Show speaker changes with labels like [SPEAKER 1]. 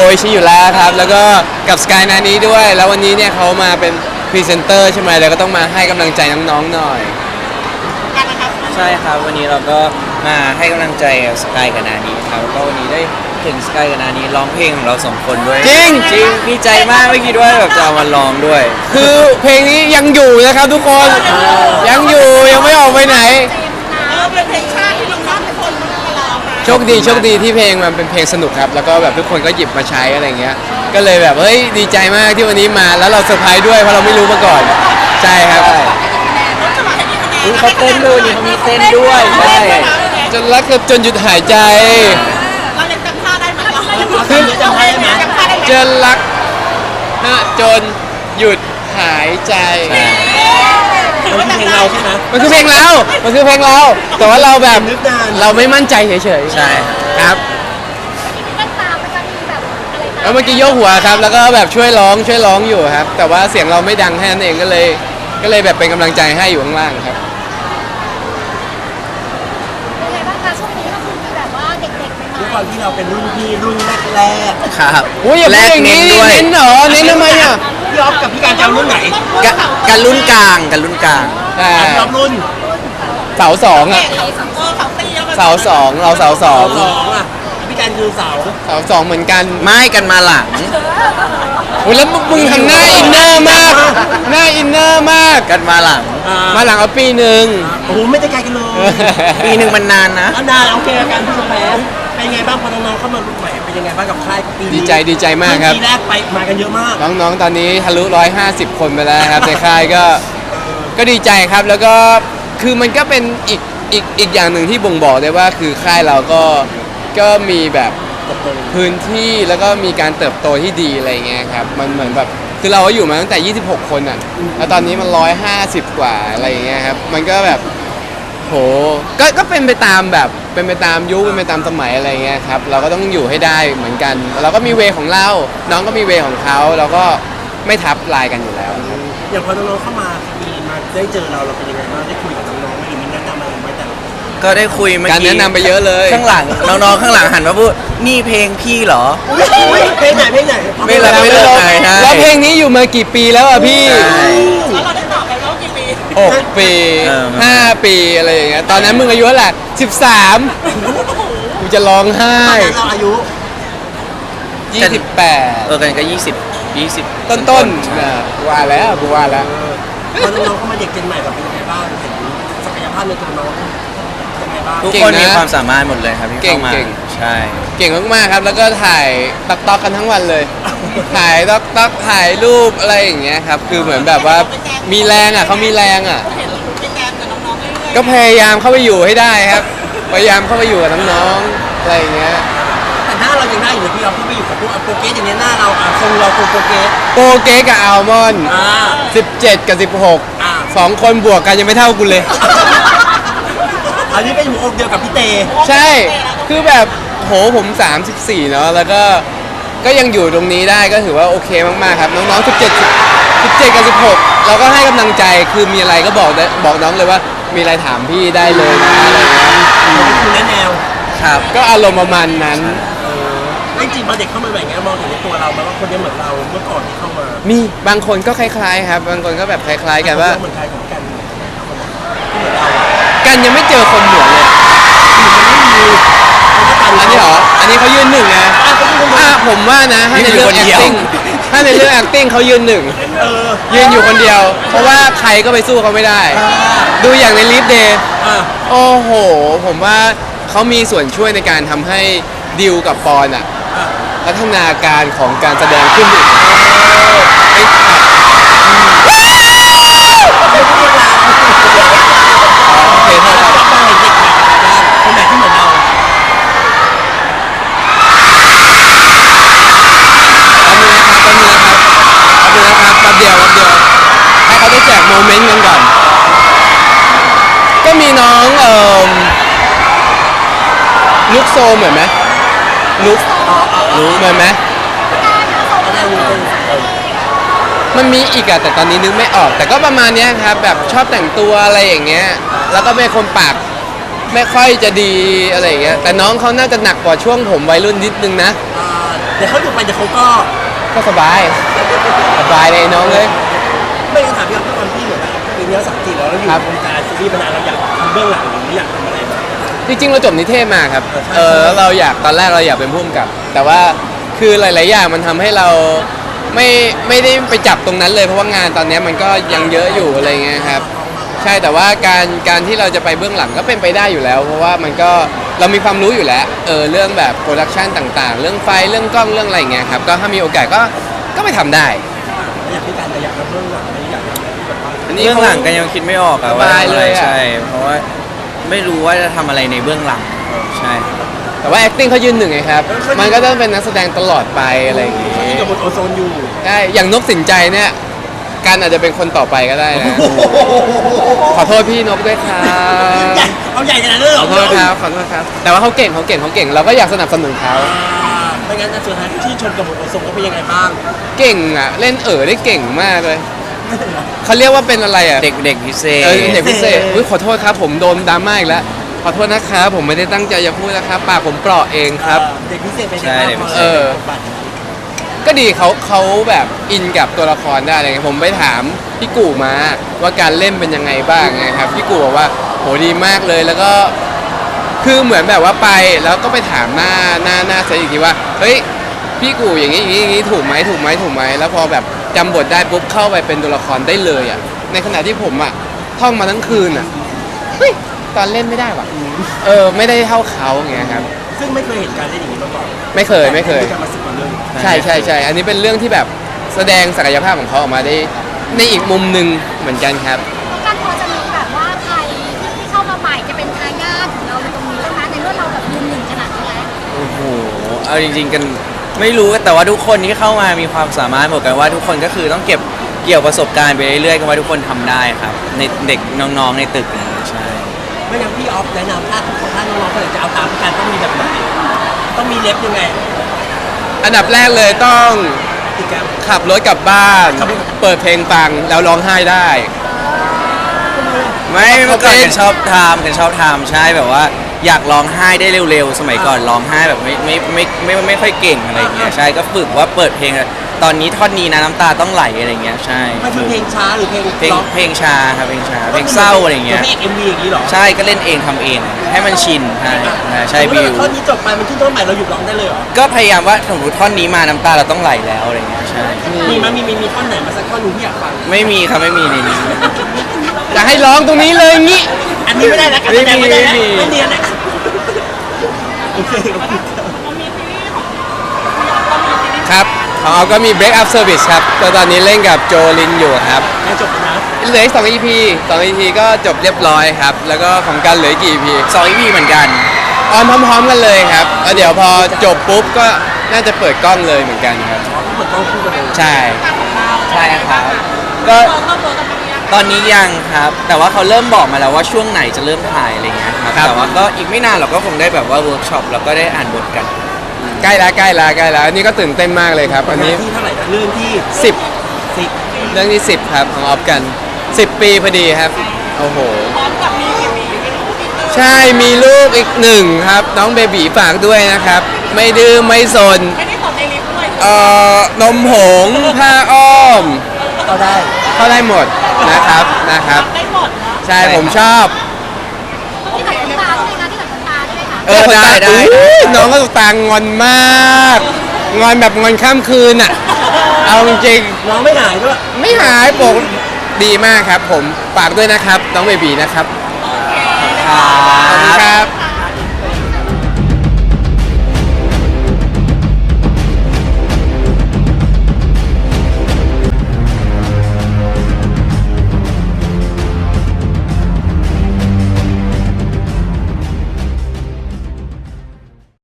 [SPEAKER 1] อิชิอยู่แล้วครับแล้วก็กับสกายนานี้ด้วยแล้ววันนี้เนี่ยเขามาเป็นพรีเซนเตอร์ใช่ไหมแล้วก็ต้องมาให้กำลังใจน้องๆหน่อย
[SPEAKER 2] กันนะครับ
[SPEAKER 3] ใช่ครับวันนี้เราก็มาให้กำลังใจสกายกับนานี้ครับแล้วก็วันนี้ได้ถึงสกายกับนานี้ร้องเพลงของเราสองคนด้วย
[SPEAKER 1] จริง
[SPEAKER 3] ดีใจมากไม่คิดว่าแบบจะเอามาร้องด้วย
[SPEAKER 1] คือเพลงนี้ยังอยู่นะครับทุกคนยังอยู่ยังไม่ออกไปไหน
[SPEAKER 2] เป็นเพลงชาติที่น้องๆทุกคนมาร้องนะ
[SPEAKER 1] โชคดีที่เพลงมันเป็นเพลงสนุกครับแล้วก็แบบทุกคนก็หยิบมาใช้อะไรเงี้ยก็เลยแบบเฮ้ยดีใจมากที่วันนี้มาแล้วเราเซอร์ไพรส์ด้วยเพราะเราไม่รู้มาก่อนใช่ครับ
[SPEAKER 3] อุ๊ยเขาเต้นด้วยนี่เขามีเต้นด้วยใช่
[SPEAKER 1] จนรักจนหยุดหายใจ
[SPEAKER 2] เราเล่นจำท่าได้ไหมเรา
[SPEAKER 3] คือจำได้ไหม
[SPEAKER 2] จำท่าได้ไหม
[SPEAKER 1] จนรักจนหยุดหายใจ
[SPEAKER 3] มันคือเพลงเราใช่ไหม
[SPEAKER 1] มันคือเพลงเรา มันคือเพลงเรา แต่ว่าเราแบบ
[SPEAKER 3] นึกนาน
[SPEAKER 1] เราไม่มั่นใจเฉยๆ
[SPEAKER 3] ใช่
[SPEAKER 1] ครับ
[SPEAKER 4] แว่นตามันจะมีแบบอะไรนะ
[SPEAKER 1] แล้วเมื่อกี้โยกหัวครับ แล้วก็แบบช่วยร้องอยู่ครับ แต่ว่าเสียงเราไม่ดังแค่นั้นเองก็เลยแบบเป็นกำลังใจให้อยู่ข้างล่างครับ
[SPEAKER 4] เป็นไงบ้างคะช่วงนี้ก็คือมีแบบว่าเด็กๆใหม่
[SPEAKER 3] ด้วยความที่เราเป็นรุ่นพี่รุ่นแรกครับ
[SPEAKER 1] อุ้ยอย่าพูดอย่างนี้เน้นเหรอเน้นทำไมอ่ะ
[SPEAKER 3] พี่ออฟกับพี่การจะเอารุ่นไหนกันรุ่นกลางกันรุ่นกลาง
[SPEAKER 1] แต่
[SPEAKER 3] รอบรุ่น
[SPEAKER 1] เสาสองอ่ะ
[SPEAKER 2] เขาตีแล้วมัน
[SPEAKER 1] เสาสองเราเสาสอง
[SPEAKER 3] สองอ่ะพี่การคือเสา
[SPEAKER 1] เสาสองเหมือนกัน
[SPEAKER 3] ไม่กันมาหลัง
[SPEAKER 1] อุ้ยแล้วมึงทำหน้าอินเนอร์มาก หน้าอินเนอร์มาก
[SPEAKER 3] กันมาหลัง
[SPEAKER 1] มาหลังเอาปีหนึ่ง
[SPEAKER 3] โอ้โหไม่ได้ไกลกันเลยปีหนึ่งมันนานนะนานโอเคการผู้ชมแพ้เป็นไงบ้างพอน้องๆเข้ามารุ่นใหม่เป็นยังไงบ้างกับค่ายปีนี้
[SPEAKER 1] ดีใจมากครับ
[SPEAKER 3] ปีแรกไปมากันเยอะมาก
[SPEAKER 1] น้องๆ ตอนนี้ทะลุ150 คนไปแล้วครับ ในค่ายก็ดีใจครับ แล้วก็คือมันก็เป็นอีกอย่างหนึ่งที่บ่งบอกได้ว่าคือค่ายเราก็มีแบบพื้นที่แล้วก็มีการเติบโตที่ดีอะไรเงี้ยครับมันเหมือนแบบคือเราก็อยู่มาตั้งแต่ 26 คนอ่ะแล้วตอนนี้มัน150 กว่าอะไรเงี้ยครับมันก็แบบโหก็เป็นไปตามแบบเป็นไปตามยุคเป็นไปตามสมัยอะไรเงี้ยครับเราก็ต้องอยู่ให้ได้เหมือนกันเราก็มีเวของเราน้องก็มีเวของเขาเราก็ไม่ทับลายกันอยู่แล้วครับ
[SPEAKER 3] อย่างพอน้องๆเข้ามามีมาได้เจอเราเป็นยังไงบ้างได้คุยกับน้องๆหรือมีแนะนำอะไรไหมแต่ก็ได้คุยเมื่อกี้
[SPEAKER 1] การแนะนำไปเยอะเลย
[SPEAKER 3] ข้างหลังน้องๆข้างหลังหันมาพูดนี่เพลงพี่เหรอเพลงไหนเพลงไหน
[SPEAKER 1] ไม่เลิกแล้วเพลงนี้อยู่มากี่ปีแล้วอ่ะพี่
[SPEAKER 2] แล้วเราได้ตอบไปแล้วกี่ปี
[SPEAKER 1] 6 ปี 5 ปีอะไรอย่างเงี้ยตอนนั้นมึงอายุเท่าไหร่13กูจะร้องไห้
[SPEAKER 3] เราอายุ
[SPEAKER 1] 28
[SPEAKER 3] กันก็20
[SPEAKER 1] ต้นๆนะกูว่าแล้ว
[SPEAKER 3] พอน้องๆเข้ามาเด็กเจนใหม่แบบเป็นยังไงบ้างเห็นศักยภาพในตัวน้องยังไงบ้างทุกคนมีความสามารถหมดเลยครับที่เข้ามาใช่
[SPEAKER 1] เก่งมากๆครับ แล้วก็ถ่ายต๊อกกันทั้งวันเลย ถ่ายต๊อกถ่ายรูปอะไรอย่างเงี้ยครับ คือเหมือนแบบว่ามีแรงอ่ะเขามีแรงอ่ะ
[SPEAKER 2] เห็นเป็นแกมกับน้องๆเรื่อยๆ
[SPEAKER 1] ก็พยายามเข้าไปอยู่ให้ได้ครับ พยายามเข้าไปอยู่กับน้องๆอะไรอย่างเงี้ย
[SPEAKER 3] แต่หน้าเรายังได้อยู่พี่เราที่ไปอยู่กับพวกโปรเกสอย่างนี้หน้าเราคงเราโปรเกส
[SPEAKER 1] โปรเกสกับอัลมอนด์17 กับ 16 2 คนบวกกันยังไม่เท่ากูเลย
[SPEAKER 3] อันนี้เป็นหัวอกเดียวกับพี่เต
[SPEAKER 1] ใช่ คือแบบโหผม34เนาะ แล้วก็ยังอยู่ตรงนี้ได้ก็ถือว่าโอเคมากๆครับ น้องๆ17 กับ 16 เราก็ให้กำลังใจ คือมีอะไรก็บอกน้องเลยว่า มีอะไรถามพี่ได้เลยนะอะไรเงี้ย
[SPEAKER 3] คือแนวครับ
[SPEAKER 1] ก็อารมณ์ประมาณนั้น
[SPEAKER 3] จริงๆพอเด็กเข้ามาแบบนี้มองเห็นในตัวเราไหมว่าคนนี้เหมือนเราเมื่อก่อนที่เข้ามา
[SPEAKER 1] มีบางคนก็คล้ายๆครับ บางคนก็แบบคล้ายๆกันว่า
[SPEAKER 3] เหมือนใครของกันที่เหมือนเรา
[SPEAKER 1] กันยังไม่เจอคนเหมือนเลยอันนี้เหรอ อันนี้เขายืนหนึ่งนะผมว่านะถ้าในเรื่อง acting ถ้าในเรื่อง acting เขายืนหนึ่งยืนอยู่คนเดียว เพราะว่าใครก็ไปสู้เขาไม่ได้ ดูอย่างในลิฟเดย์โอ้โห ผมว่าเขามีส่วนช่วยในการทำให้ดิวกับปอนอะพัฒนาการของการแสดงขึ้นอีกโอเคเท่าไหร่
[SPEAKER 3] คนไหนที่เหมือนเรา
[SPEAKER 1] แป๊บเดียวให้เขาได้แจกโมเมนต์กันก่อน ก็มีน้องลุกโซเหมือนไหมลุกเหมือนไหมมันมีอีกอะแต่ตอนนี้นึกไม่ออก แต่ก็ประมาณเนี้ยครับแบบชอบแต่งตัวอะไรอย่างเงี้ยแล้วก็เป็นคนปากไม่ค่อยจะดีอะไรอย่างเงี้ยแต่น้องเขาน่าจะหนักกว่าช่วงผมวัยรุ่นนิดนึงนะ
[SPEAKER 3] เดี๋ยวเขาอยู่ไปเดี๋ยวเขาก็
[SPEAKER 1] ก็สบายเลยน้องเลย
[SPEAKER 3] ไม่ต้องถามพี่อ๊อฟทุกคนที่เหมือนปีนี้30แล้วเราอยู่
[SPEAKER 1] ครับ
[SPEAKER 3] วงการซีรีส์มานานเราอยากทำเบื้องหลังหรืออยากทำอะไรบ้าง
[SPEAKER 1] จริงๆเราจบนิเทศมาครับแล้วเราอยากตอนแรกเราอยากเป็นผู้กำกับ แต่ว่าคือหลายๆอย่างมันทำให้เราไม่ได้ไปจับตรงนั้นเลยเพราะว่างานตอนนี้มันก็ยังเยอะอยู่อะไรเงี้ยครับใช่แต่ว่าการที่เราจะไปเบื้องหลังก็เป็นไปได้อยู่แล้ว เพราะว่ามันก็เรามีความรู้อยู่แล้วเรื่องแบบโปรดักชันต่างๆ เรื่องไฟเรื่องกล้องเรื่องอะไรเงี้ยครับก็ถ้ามีโอกาสก็ไปทำได้
[SPEAKER 3] อยากพิการแต่อยากทำเบื้องหลังไม่อยากทำอะไรที่แบบว่า
[SPEAKER 1] อันนี้
[SPEAKER 5] เบื้องหลังก็ยังคิดไม่ออกอะว่า
[SPEAKER 1] สบายเลยอะ
[SPEAKER 5] ใช่เพราะว่าไม่รู้ว่าจะทำอะไรในเบื้องหลังใช่
[SPEAKER 1] แต่ว่า acting เขายืนหนึ่งไงครับมันก็ต้องเป็นนักแสดงตลอดไปอะไรอย่างงี้
[SPEAKER 3] เขาอยู่กับบนโอโซนอยู่
[SPEAKER 1] ใช่อย่างนกสินใจเนี่ยการอาจจะเป็นคนต่อไปก็ได้นะ ขอโทษพี่นกด้วยครับ
[SPEAKER 3] เอาใหญ่ขนาดนั้นเลยเหร
[SPEAKER 1] ข
[SPEAKER 3] อ
[SPEAKER 1] อโทษครับขอโทษครับ แต่ว่าเขาเก่งเราก็อยากสนับสนุนเขา
[SPEAKER 3] ไม่งั้นสุดท้ายที่ชนกับบนโอโซนก็เป็นยังไงบ้าง
[SPEAKER 1] เก่งอ่ะเล่นได้เก่งมากเลยเขาเรียกว่าเป็นอะไรอ่ะ
[SPEAKER 5] เด็กพิเศษ
[SPEAKER 1] เด็กพิเศษอุ๊ยขอโทษครับผมโดนดราม่าอีกแล้วขอโทษนะครับผมไม่ได้ตั้งใจจะพูดนะครับปากผมเปราะเองครับ
[SPEAKER 3] เด็กพิเศษเป็น
[SPEAKER 5] ใช่เด็กพิเศษ
[SPEAKER 1] ก็ดีเขาแบบอินกับตัวละครได้อะไรเงี้ยผมไปถามพี่กู่มาว่าการเล่นเป็นยังไงบ้างไงครับพี่กู่บอกว่าโหดีมากเลยแล้วก็คือเหมือนแบบว่าไปแล้วก็ไปถามหน้าเซตอีกทีว่าเฮ้ยพี่กู่อย่างนี้ถูกไหมแล้วพอแบบจำบทได้ปุ๊บเข้าไปเป็นตัวละครได้เลยอ่ะในขณะที่ผมอ่ะท่องมาทั้งคืนอ่ะเฮ้ยตอนเล่นไม่ได้ว่ะไม่ได้เท่าเขาไงครับ
[SPEAKER 3] ซึ่งไม่เคยเห็นการเล่นอย่างนี้มาก่อน
[SPEAKER 1] ไม่เคย
[SPEAKER 3] การมา10 กว่าเรื่อง
[SPEAKER 1] ใช่อันนี้เป็นเรื่องที่แบบแสดงศักยภาพของเขาออกมาได้ในอีกมุมหนึ่งเหมือนกันครับ
[SPEAKER 4] การพอจะมีแบบว่าใครที่เข้ามาใหม่จะเป็นทายาทของเราในตรงนี้แล้วนะในเมื่อเราแบบยืนหนึ่งขนาดนี้แล้ว
[SPEAKER 5] โอ้โหเอาจริงๆกันไม่รู้แต่ว่าทุกคนที่เข้ามามีความสามารถหมดกันว่าทุกคนก็คือต้องเก็บเกี่ยวประสบการณ์ไปเรื่อยๆกันว่าทุกคนทำได้ครับในเด็กน้องๆในตึกนี้ใช่
[SPEAKER 3] ไม่งั้นพี่ออฟแนะนำถ้าทุกคนถ้าน้องๆคนไหนจะเอาตามพี่การต้องมีแบบไหนต้องมีเล็บยังไง
[SPEAKER 1] อันดับแรกเลยต้อง
[SPEAKER 3] ติดกัน
[SPEAKER 1] ขับรถกลับบ้าน เปิดเพลงฟังแล้วร้องไห้ได้
[SPEAKER 5] ไม่เมื่อก่อนกันชอบทำใช่แบบว่าอยากร้องไห้ได้เร็วๆ สมัยก่อนร้องไห้แบบไม่ค่อยเก่งอะไรอย่างเงี้ยใช่ก็ฝึกว่าเปิดเพลงตอนนี้ท่อนนี้นะน้ำตาต้องไหลอะไรอย่างเงี้ยใช่
[SPEAKER 3] มันคือเพลงช้าหรือเพลง
[SPEAKER 5] เพลงช้าครับเพลงช้าเพลงเศร้าอะไรอย่างเงี้ย
[SPEAKER 3] เพลง MV อย่างนี้เหรอ
[SPEAKER 5] ใช่ก็เล่นเองทำเองให้มันชินใช่บิว
[SPEAKER 3] ท่อนนี้จบไปมันขึ้นต้นใหม่เราหยุดร้องได้เลยเหรอ
[SPEAKER 5] ก็พยายามว่าสมมติท่อนนี้มาน้ำตาเราต้องไหลแล้วอะไรอย่างเงี้ยใช่
[SPEAKER 3] มีท่อนไหนมาสักท่อนหนึงที่อยากฟัง
[SPEAKER 5] ไม่มีครับไม่มีในนี้
[SPEAKER 1] จะให้ร้องตรงนี้เลยงี้
[SPEAKER 3] อันนี้ไม่ได้นะการแสดงไม่ได้นะ
[SPEAKER 1] ไม่มี
[SPEAKER 3] ไม่เนียนนะโอเค
[SPEAKER 1] ครับของเราก็มี Break Up Service ครับตอนนี้เล่นกับโจลินอยู่ครับ
[SPEAKER 3] ยังจบแล้วนะ
[SPEAKER 1] เหลืออีก2 EP ก็จบเรียบร้อยครับแล้วก็ของกันเหลืออีกกี่ EP
[SPEAKER 5] 2 EP เหมือนกัน
[SPEAKER 1] ออนพร้อมๆกันเลยครับแล้วเดี๋ยวพอจบปุ๊บก็น่าจะเปิดกล้องเลยเหมือนกันครับ
[SPEAKER 3] เหมือนต้องพูดกันเลย
[SPEAKER 1] ใช่
[SPEAKER 5] ใช่ครับก็ตอนนี้ยังครับ แต่ว่าเขาเริ่มบอกมาแล้วว่าช่วงไหนจะเริ่มถ่ายอะไรเงี้ยครับแต่ว่าก็อีกไม่นานเราก็คงได้แบบว่าเวิร์กช็อปแล้วก็ได้อ่านบทกัน
[SPEAKER 1] ใกล้แล้วอันนี้ก็ตื่นเต้นมากเลยครับอันนี้
[SPEAKER 3] ที่เท่าไหร่นะเรื่องที่
[SPEAKER 1] 10
[SPEAKER 3] 10
[SPEAKER 1] เรื่องที่10ครับของออฟกัน 10 ปีพอดีครับโอ้โห
[SPEAKER 2] พร้อมกับมีกี่ปีไม่รู้พี่เตอร์
[SPEAKER 1] ใช่มีลูกอีก1ครับน้องเบบีฝากด้วยนะครับ ไม่ดื้อไม่สน
[SPEAKER 2] ไม่ได้ตอบในลิฟต์ด้วย
[SPEAKER 1] นมผงผ้าอ้อม
[SPEAKER 3] ก็ได้
[SPEAKER 1] เข้าได้หมดนะครับ
[SPEAKER 2] ได้หมดนะ
[SPEAKER 1] ใช่ผมชอบ
[SPEAKER 4] ที่ตัดน้ำตาใช่ไหมคะที่ตัดน้ำตาได้ไหมคะ
[SPEAKER 5] ได้
[SPEAKER 1] อุ๊ยน้องก็ตุกตางงอนมาก งอนแบบงอนข้ามคืนอ่ะ เอาจริง
[SPEAKER 3] น้องไม่หายด้วย
[SPEAKER 1] ๆไม่หายปกดีมากครับผมฝากด้วยนะครับ น้องเบบีนะครับ
[SPEAKER 5] ครั
[SPEAKER 1] ขอบคุณ
[SPEAKER 5] บ
[SPEAKER 1] ครั